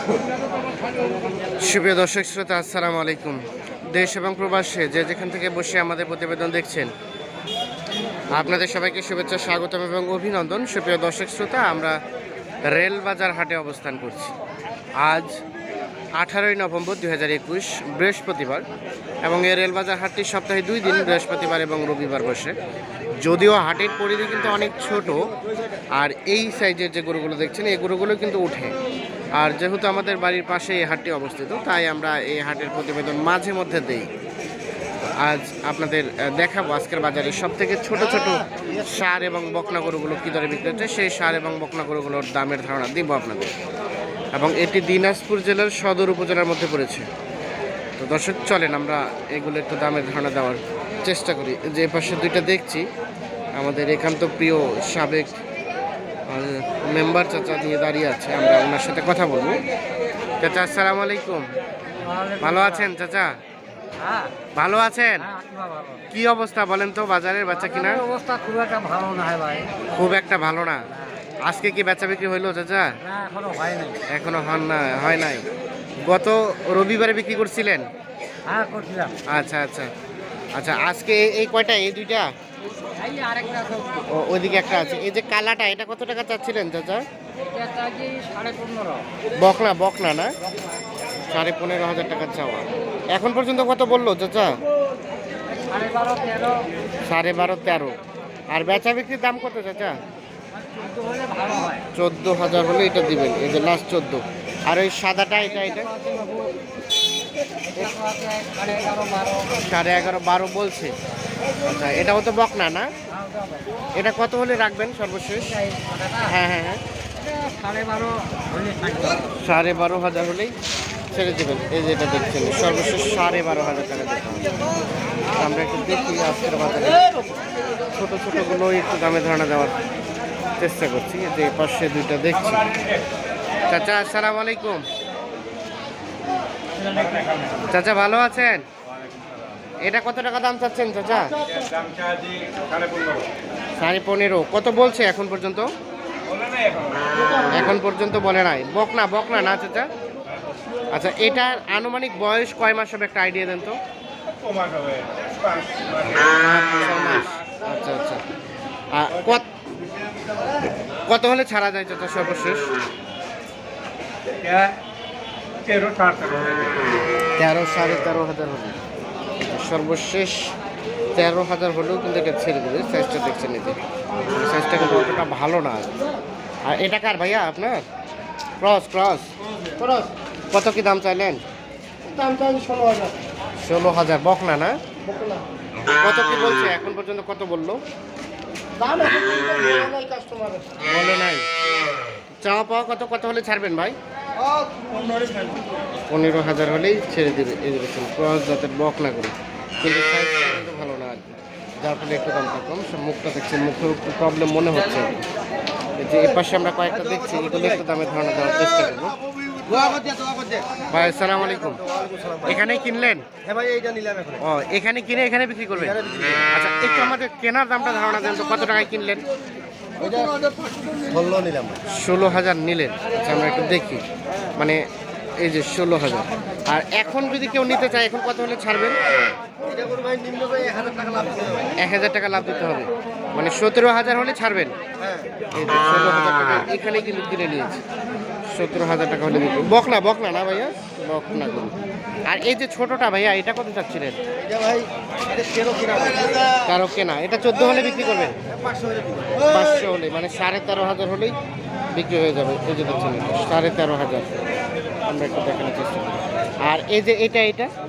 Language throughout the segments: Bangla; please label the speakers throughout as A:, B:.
A: সুপ্রিয় দর্শক শ্রোতা, আসসালামু আলাইকুম। দেশ এবং প্রবাসে যে যেখান থেকে বসে আমাদের প্রতিবেদন দেখছেন, আপনাদের সবাইকে শুভেচ্ছা, স্বাগতম এবং অভিনন্দন। সুপ্রিয় দর্শক শ্রোতা, আমরা রেলবাজার হাটে অবস্থান করছি। আজ 18ই নভেম্বর 2021 বৃহস্পতিবার, এবং এই রেলবাজার হাটটি সপ্তাহে 2 দিন, বৃহস্পতিবার এবং রবিবার বসে। যদিও হাটের পরিধি কিন্তু অনেক ছোট, আর এই সাইজের যে গরুগুলো দেখছেন এই গরুগুলো কিন্তু উঠে। আর যেহেতু আমাদের বাড়ির পাশে এই হাটটি অবস্থিত, তাই আমরা এই হাটের প্রতিবেদন মাঝে মধ্যে দেই। আজ আপনাদের দেখাবো আজকের বাজারে সবথেকে ছোট ছোট ষাঁড় এবং বকনা গরুগুলো কী দরে বিক্রি হচ্ছে, সেই ষাঁড় এবং বকনা গরুগুলোর দামের ধারণা দিব আপনাদের। এবং এটি দিনাজপুর জেলার সদর উপজেলার মধ্যে পড়েছে। তো দর্শক, চলেন আমরা এগুলো একটু দামের ধারণা দেওয়ার চেষ্টা করি। যে পাশে দুইটা দেখছি, আমাদের একান্ত প্রিয় সাবেক মেম্বার চাচা নিয়ে দাঁড়িয়ে আছে, আমরা ওনার সাথে কথা বলবো। চাচা, আসসালামু আলাইকুম। ভালো আছেন চাচা? ভালো আছেন? কি অবস্থা বলেন তো বাজারের বেচা কিনা?
B: অবস্থা খুব একটা ভালো না ভাই।
A: খুব একটা ভালো না। আজকে কি বেচা বিক্রি হইলো চাচা?
B: এখনো হয় নাই।
A: এখনো হয় নাই। গত রবিবারে বিক্রি করছিলেন?
B: হ্যাঁ, করছিলাম।
A: আচ্ছা আচ্ছা আচ্ছা, আজকে এই কয়টা? এই দুইটা? ওইদিকে একটা আছে। এই যে কালাটা, এটা কত টাকা চাচ্ছিলেন চাচা?
B: 15.5।
A: বকনা বকনা না? 15,500 টাকা চাওয়া। এখন পর্যন্ত কত বললো চাচা?
B: 12.5, 13।
A: 12.5, 13। আর বেচা বিক্রির দাম কত চাচা?
B: 14,000
A: 14,000
B: হলে ভালো হয়।
A: হলে এটা দিবেন। এই যে লাস্ট 14। আর ওই সাদাটা, এটা 11.5, 12 বলছে। আচ্ছা, এটাও তো বকনা না? এটা কত হলে রাখবেন সর্বশেষ? হ্যাঁ হ্যাঁ হ্যাঁ, 12,500 হলেই ছেড়ে দেবেন। এই যে এটা দেখছেন, সর্বশেষ 12,500 টাকা দিতে হবে। আমরা একটু দেখি আজকের বাজারে ছোটো ছোটোগুলো একটু দামে ধারণা দেওয়ার চেষ্টা করছি। যে পাশে দুইটা দেখছি। চাচা, আসসালামু আলাইকুম। চাচা, ভালো আছেন? এটা কত টাকা দাম চাচ্ছেন চাচা? 15.5। কত বলছে এখন পর্যন্ত? এখন পর্যন্ত বলে নাই। বকনা বকনা না চাচা? আচ্ছা, এটার আনুমানিক বয়স কয় মাস হবে, একটা আইডিয়া দেন তো।
C: 6 মাস হবে।
A: 6 মাস। আচ্ছা আচ্ছা। কত হলে ছাড়া যায় চাচা সর্বশেষ?
C: 13,
A: 13,500 হবে সর্বশেষ। 13,000 হলেও কিন্তু এটা ছেড়ে দেবে। সাইজটা দেখছেন, এই যে সাইজটা কিন্তু অতটা ভালো না। আর এটা কার ভাইয়া আপনার? Cross cross cross. কত কি দাম চাইলেন?
B: দাম চাই 16,000।
A: 16,000 বকনা না? কত কি বলছে এখন পর্যন্ত? কত বললো?
B: দাম এখন কাস্টমার
A: বলে নাই। চাওয়া পাওয়া কত? কত হলে ছাড়বেন ভাই? 15,000 হলেই ছেড়ে দেবে। এই যে দেখুন, ক্রস জাতের বকনা করে, কিন্তু সাইজটা কিন্তু ভালো না আর কি, যার ফলে একটু দামটা কম। সব মুখটা দেখছেন, মুখেও একটু প্রবলেম মনে হচ্ছে আর কি। এই যে এ পাশে আমরা কয়েকটা দেখছি, এগুলো একটু দামের ধারণা দেওয়ার চেষ্টা করবো। ভাই, আসসালামু আলাইকুম। এখানেই কিনলেন?
B: হ্যাঁ ভাই, এইটা নিলাম এখন।
A: ও, এখানে কিনে এখানে বিক্রি করবেন? আচ্ছা, একটু আমাদের কেনার দামটা ধারণা দেন তো, কত টাকায় কিনলেন?
B: 16 নিলাম।
A: 16,000 নিলেন। আচ্ছা, আমরা একটু দেখি, মানে এই যে 16,000। আর এখন যদি কেউ নিতে চায়, এখন কত হলে ছাড়বেন?
B: এটা করে ভাই নিম্ন ভাই 1,000 টাকা লাভ দিতে হবে।
A: 1,000 টাকা লাভ দিতে হবে, মানে 17,000 হলে ছাড়বেন।
B: হ্যাঁ,
A: এই যে 16,000 টাকা এখানেই কিন্তু কিনে নিয়েছি। 17,000 টাকা হলে বিক্রি। বকনা বকনা না ভাইয়া? বকনা করুন। আর এই যে ছোটটা ভাইয়া, এটা কত চাচ্ছিলেন?
B: এটা ভাই এটা 13 কিনা ভাই।
A: কারো কেনা, এটা 14 হলে বিক্রি করবেন?
B: 500 হলে দিবো।
A: 500 হলে, মানে 13,500 হলেই বিক্রি হয়ে যাবে। এই যে দেখছেন, 13,500। আমরা একটু দেখানোর চেষ্টা করি। আর এই যে এটা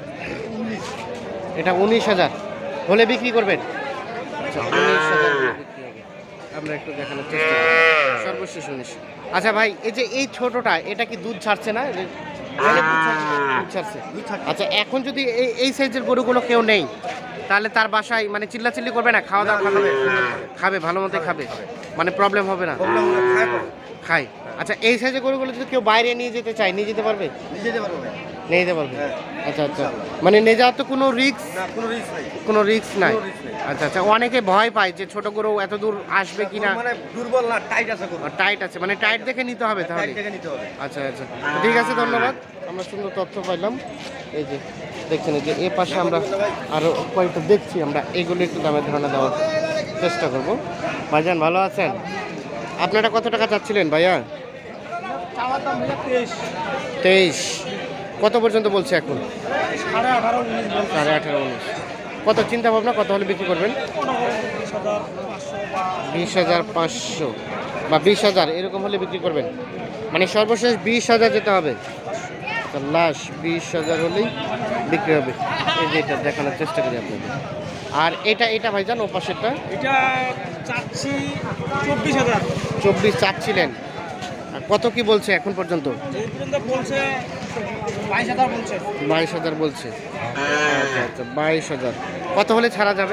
A: 19,000 হলে বিক্রি করবেন? আচ্ছা, 19,000 হলে বিক্রি হবে। আমরা একটু দেখানোর চেষ্টা করি, সর্বশেষ 19। আচ্ছা ভাই, এই যে এই ছোটটা, এটা কি দুধ ছাড়ছে না? দুধ ছাড়ছে। আচ্ছা, এখন যদি এই সাইজের গরুগুলো কেউ নেই, তাহলে তার বাসায় মানে চিল্লাচিল্লি করবে না? খাওয়া দাওয়া খাবে, ভালো মতোই খাবে, মানে প্রবলেম হবে না? খায়। আচ্ছা, এই সাইজের গরুগুলো যদি কেউ বাইরে নিয়ে যেতে চায়, নিয়ে যেতে পারবে?
B: নিয়ে যেতে পারবো ভাই।
A: নিয়ে যেতে পারবে?
B: হ্যাঁ।
A: আচ্ছা আচ্ছা, মানে নিয়ে যাওয়ার তো কোনো রিস্ক,
B: না কোনো রিস্ক নাই।
A: কোনো রিস্ক নাই।
B: কোনো risk নাই।
A: আচ্ছা আচ্ছা, অনেকে ভয় পায় যে ছোট গরু এত দূর আসবে কিনা।
B: মানে দুর্বল না, টাইট আছে গরু।
A: টাইট আছে, মানে টাইট দেখে নিতে হবে তাহলে।
B: টাইট দেখে নিতে হবে।
A: আচ্ছা আচ্ছা, ঠিক আছে, ধন্যবাদ। আমরা সুন্দর তথ্য পাইলাম। এই যে দেখছেন, এই যে এ পাশে আমরা আরো কয়েকটা দেখছি, আমরা এগুলো একটু দামের ধারণা দেওয়ার চেষ্টা করব। ভাইজান ভালো আছেন? আপনারা কত টাকা চাচ্ছিলেন ভাইয়া? 23। কত পর্যন্ত বলছে এখন? 18.5-19। কত চিন্তা ভাবনা, কত হলে বিক্রি করবেন? 20,500 বা 20,000 এরকম হলে বিক্রি করবেন, মানে সর্বশেষ 20,000 যেতে হবে। তো লাস্ট 20,000 হলেই বিক্রি হবে। এই যে এটা দেখানোর চেষ্টা করি আপনাদের। আর এটা ভাইজান ও পাশেরটা
D: এটা চাচ্ছি 24,000।
A: 24 চাচ্ছিলেন, আর কত কি বলছে এখন পর্যন্ত?
D: এই পর্যন্ত বলছে 22,000 বলছে।
A: 22,000 বলছে। আচ্ছা আচ্ছা, 22,000 কত হলে ছাড়া যাবে?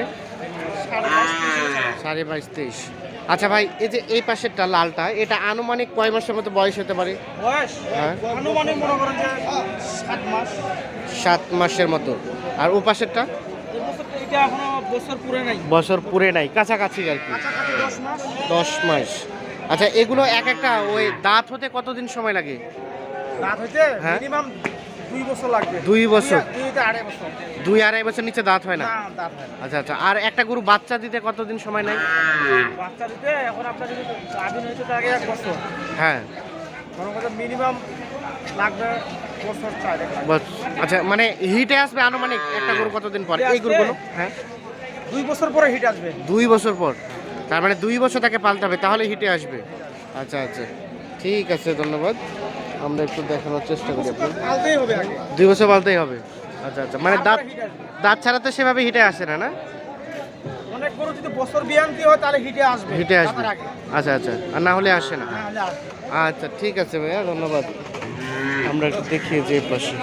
A: 22,500-23। আচ্ছা ভাই, এই যে এই পাশেরটা লালটা, এটা আনুমানিক কয় মাসের মতো বয়স হতে পারে?
D: বয়স
A: হ্যাঁ,
D: আনুমানিক মনে করেন যে 7 মাস।
A: 7 মাসের মতো। আর ও পাশেরটা?
D: এই বছর এটা এখনো বছর পুরে নাই,
A: বছর পুরে নাই, কাছাকাছি আর কি,
D: কাছাকাছি 10 মাস।
A: 10 মাস। আচ্ছা, এগুলো এক একটা ওই দাঁত হতে কতদিন সময় লাগে?
D: দাঁত হইতে
A: হ্যাঁ।
D: মিনিমাম 2 বছর লাগবে।
A: 2 বছর?
D: 2-2.5 বছর।
A: 2-2.5 বছর নিচে দাঁত হয় না?
D: না, দাঁত হয় না।
A: আচ্ছা আচ্ছা, আর একটা গরু বাচ্চা দিতে কতদিন সময় নেয়?
D: বাচ্চা দিতে এখন আপনার যদি স্বাধীন হইতে থাকে 1 বছর,
A: হ্যাঁ,
D: মনে করেন মিনিমাম লাগবে বছর 4।
A: আচ্ছা, মানে হিটে আসবে আনুমানিক একটা গরু কতদিন পর
D: হিটে
A: এই
D: আসবে?
A: গরুগুলো? হ্যাঁ,
D: 2 বছর পরে হিট আসবে।
A: 2 বছর পর, তার মানে 2 বছর তাকে পালতে হবে, তাহলে হিটে আসবে। আচ্ছা আচ্ছা, ঠিক আছে, ধন্যবাদ। আমরা একটু দেখানোর চেষ্টা করি আপনার।
D: পালতেই হবে আগে।
A: 2 বছর পালতেই হবে। আচ্ছা আচ্ছা, মানে দাঁত
D: তারপরে হিট আসবে।
A: দাঁত ছাড়া তো সেভাবে হিটে আসে না, না?
D: অনেক গরু যদি বছর বিয়ান্তি হয় তাহলে হিটে আসবে।
A: হিটে আসবে।
D: দাঁতের আগে।
A: আচ্ছা আচ্ছা, আর না হলে আসে না।
D: না হলে আসবে।
A: আচ্ছা, ঠিক আছে ভাইয়া, ধন্যবাদ। আমরা একটু দেখিয়ে যে পাশে।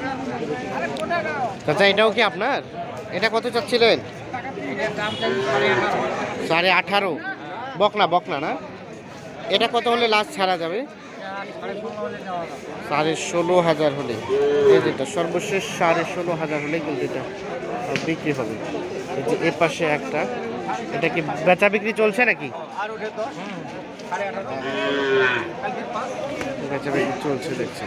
A: আচ্ছা, এটাও কি আপনার? এটা কত চাচ্ছিলেন? 18.5। বকনা না? এটা কত হলে লাস্ট ছাড়া যাবে? 16,500 হলে। এই যেটা সর্বশেষ 16,500 হলে কিন্তু এটা বিক্রি হবে। এই যে এ পাশে একটা, এটা কি বেচা বিক্রি চলছে নাকি? বেচা বিক্রি চলছে দেখছি।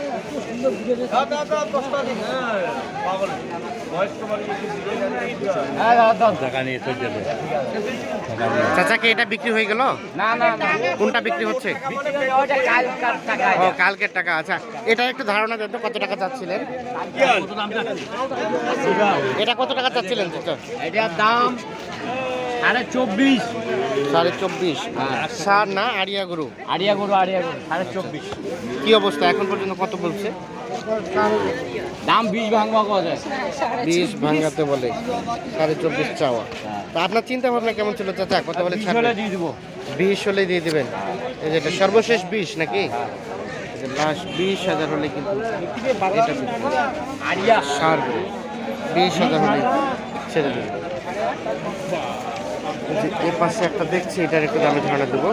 A: চাচাকে এটা বিক্রি হয়ে গেল?
D: না না না,
A: কোনটা বিক্রি হচ্ছে?
D: ওটা কালকার টাকা।
A: ও, কালকের টাকা। আচ্ছা, এটা একটু ধারণা দেন তো, কত টাকা চাচ্ছিলেন? এটা কত টাকা চাচ্ছিলেন চাচা?
D: এটার দাম 24.5।
A: 24.5। সার না আড়িয়া গরু?
D: আড়িয়া গরু 24.5।
A: কি অবস্থা এখন পর্যন্ত কত বলছে?
D: দাম 20 ভাঙবা কথা।
A: 20 ভাঙাতে বলে, 24.5 চাওয়া। তা আপনার চিন্তা ভাবনা কেমন ছিল চাচা, কত বলে ছাড়বে?
D: দিয়ে দিব।
A: 20 হলে দিয়ে দিবেন? এই যে এটা সর্বশেষ 20 নাকি? লাস্ট 20,000 হলে কিন্তু এটা
D: আড়িয়া
A: সার গরু 20,000 হলে ছেড়ে দেবে। এই যে এর পাশে একটা দেখছি, এটার একটু দামে ধারণা দেবো।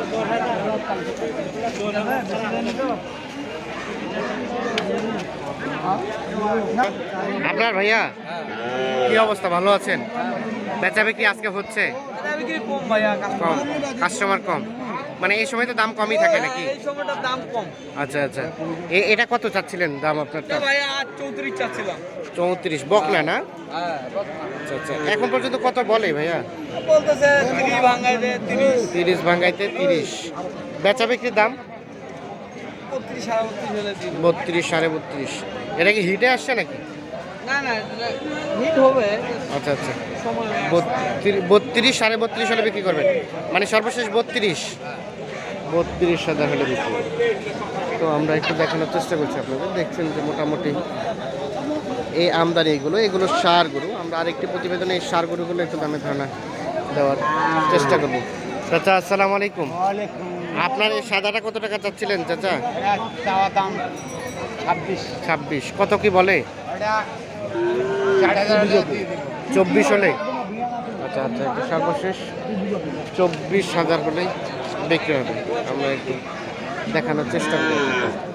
A: আপনার ভাইয়া কি অবস্থা, ভালো আছেন? বেচা বিক্রি আজকে হচ্ছে
D: কম ভাইয়া,
A: কম? কাস্টমার কম, মানে এই সময় তো দাম কমই থাকে নাকি?
D: এই সময়টার দাম কম।
A: আচ্ছা আচ্ছা, এটা কত চাচ্ছিলেন দাম আপনারটা?
D: ভাইয়া 34 চাচ্ছিলাম।
A: 34 বকনা না?
D: হ্যাঁ,
A: আচ্ছা আচ্ছা, এখন পর্যন্ত কত বলে ভাইয়া?
D: বলতেছে 30 ভাঙাইতে 30,
A: 30 ভাঙাইতে 30। বেচা বিক্রির দাম
D: 32 37 হলে দিব।
A: 32 32.5। এটা কি হিটে আসছে নাকি?
D: না না, হিট হবে
A: আচ্ছা আচ্ছা,
D: সময়।
A: 32 32.5 হলে বিক্রি করবেন, মানে সর্বশেষ 32,000 হলে বিক্রি করবেন। তো আমরা একটু দেখানোর চেষ্টা করছি আপনাদের। দেখছেন যে মোটামুটি এই আমদানি এগুলো সার গরু। আমরা আরেকটি প্রতিবেদনে এই সার গরুগুলো একটু দামে ধারণা দেওয়ার চেষ্টা করব। চাচা আসসালামু আলাইকুম। আপনার এই সাদাটা কত টাকা চাচ্ছিলেন চাচা?
D: চাওয়া দাম 26।
A: 26। কত কি বলে?
D: এটা 4,500 দিয়ে দিব।
A: 24 হলে? আচ্ছা আচ্ছা, এটা সর্বশেষ 24,000 হলেই বিক্রি হবে। আমরা একটু দেখানোর চেষ্টা করি।